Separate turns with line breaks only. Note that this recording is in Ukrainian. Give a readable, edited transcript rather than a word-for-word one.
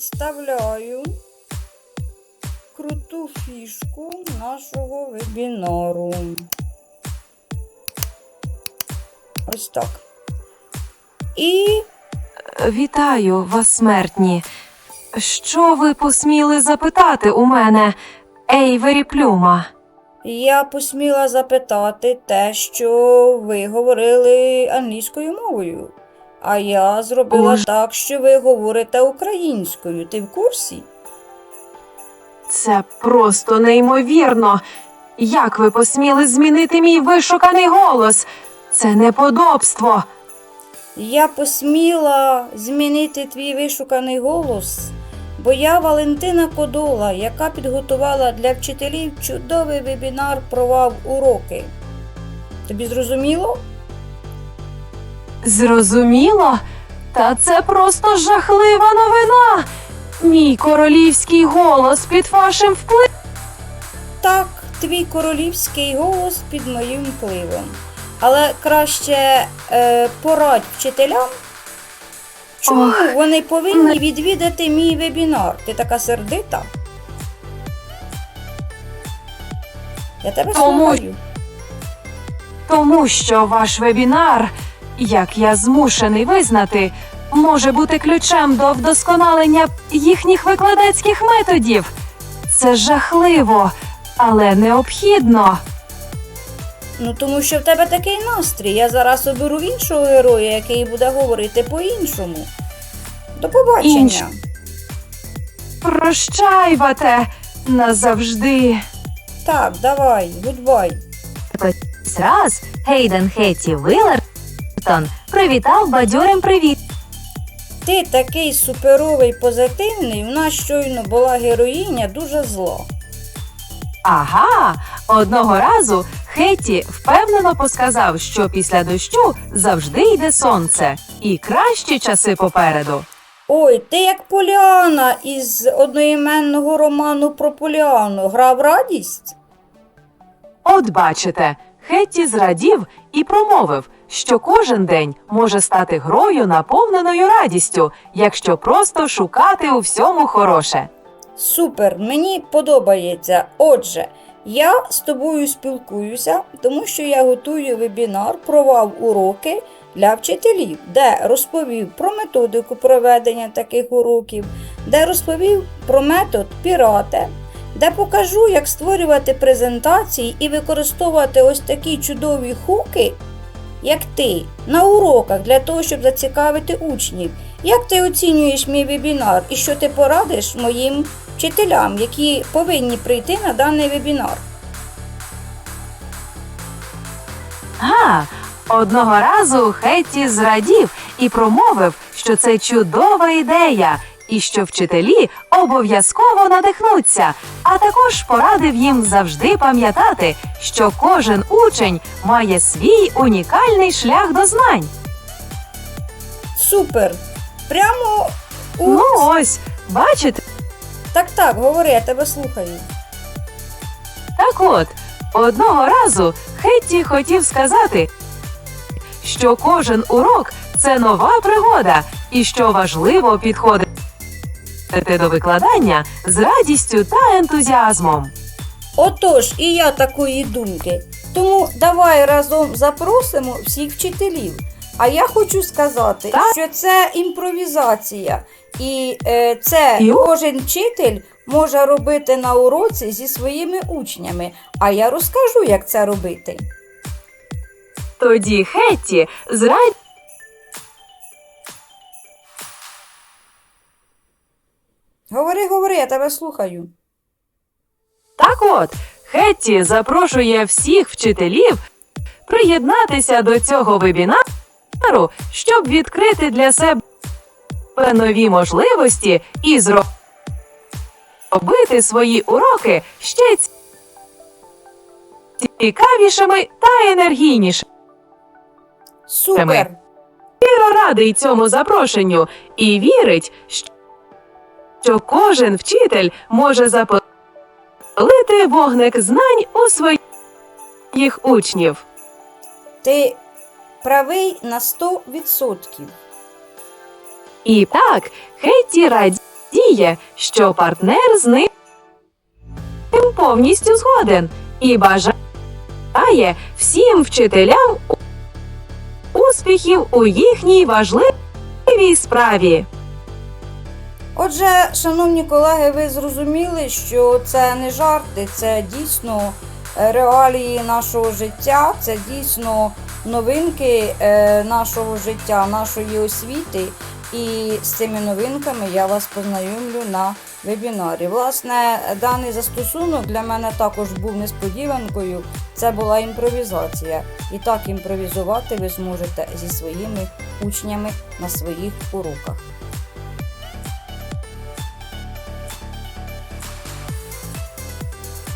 представляю круту фішку нашого вебінару. Ось так. І
Вітаю вас, смертні. Що ви посміли запитати у мене, Ейвері Плюма?
я посміла запитати те, що ви говорили англійською мовою. А я зробила так, що ви говорите українською. Ти в курсі?
Це просто неймовірно. Як ви посміли змінити мій вишуканий голос? Це неподобство.
Я посміла змінити твій вишуканий голос, бо я Валентина Кодола, яка підготувала для вчителів чудовий вебінар про вав-уроки. Тобі зрозуміло?
Зрозуміло? Та це просто жахлива новина. Мій королівський голос під вашим впливом.
Так, твій королівський голос під моїм впливом. Але краще порадь вчителям, чому вони повинні відвідати мій вебінар. Ти така сердита? Я тебе слухаю.
Тому що ваш вебінар, як я змушений визнати, може бути ключем до вдосконалення їхніх викладацьких методів. Це жахливо, але необхідно.
Ну, тому що в тебе такий настрій. Я зараз оберу іншого героя, який буде говорити по-іншому. До побачення.
Прощайвате назавжди.
Так, давай, гудбай.
Раз Гейден Хетті Виллертон привітав бадьорим привіт.
Ти такий суперовий, позитивний, в нас щойно була героїня дуже зла.
Ага, одного разу Хетті впевнено посказав, що після дощу завжди йде сонце. І кращі часи попереду.
Ой, ти як Поліана із одноіменного роману про Поліану. Грав радість?
От бачите, Хетті зрадів і промовив, що кожен день може стати грою, наповненою радістю, якщо просто шукати у всьому хороше.
Супер, мені подобається. Отже, я з тобою спілкуюся, тому що я готую вебінар про вав-уроки для вчителів, де розповів про методику проведення таких уроків, де розповів про метод Пірате, де покажу, як створювати презентації і використовувати ось такі чудові хуки, як ти, на уроках для того, щоб зацікавити учнів. Як ти оцінюєш мій вебінар і що ти порадиш моїм вчителям, які повинні прийти на даний вебінар?
Одного разу Хетті зрадів і промовив, що це чудова ідея, і що вчителі обов'язково надихнуться, а також порадив їм завжди пам'ятати, що кожен учень має свій унікальний шлях до знань.
Супер! Прямо у...
Ну ось, бачите?
Так, говори, я тебе слухаю.
Так от, одного разу Хетті хотів сказати, що кожен урок – це нова пригода, і що важливо підходити до викладання з радістю та ентузіазмом.
Отож, і я такої думки. Тому давай разом запросимо всіх вчителів. А я хочу сказати, що це імпровізація. І кожен вчитель може робити на уроці зі своїми учнями. А я розкажу, як це робити.
Тоді Хетті з радістю
Говори, я тебе слухаю.
Так от, Хетті запрошує всіх вчителів приєднатися до цього вебінару, щоб відкрити для себе нові можливості і зробити свої уроки ще цікавішими та енергійнішими.
Супер!
Щиро радий цьому запрошенню і вірить, що кожен вчитель може запалити вогник знань у своїх учнів.
Ти правий на 100%.
І так, Хетті радіє радіє, що партнер з ним повністю згоден і бажає всім вчителям успіхів у їхній важливій справі.
Отже, шановні колеги, ви зрозуміли, що це не жарти, це дійсно реалії нашого життя, це дійсно новинки нашого життя, нашої освіти. І з цими новинками я вас познайомлю на вебінарі. Власне, даний застосунок для мене також був несподіванкою. Це була імпровізація. І так імпровізувати ви зможете зі своїми учнями на своїх уроках.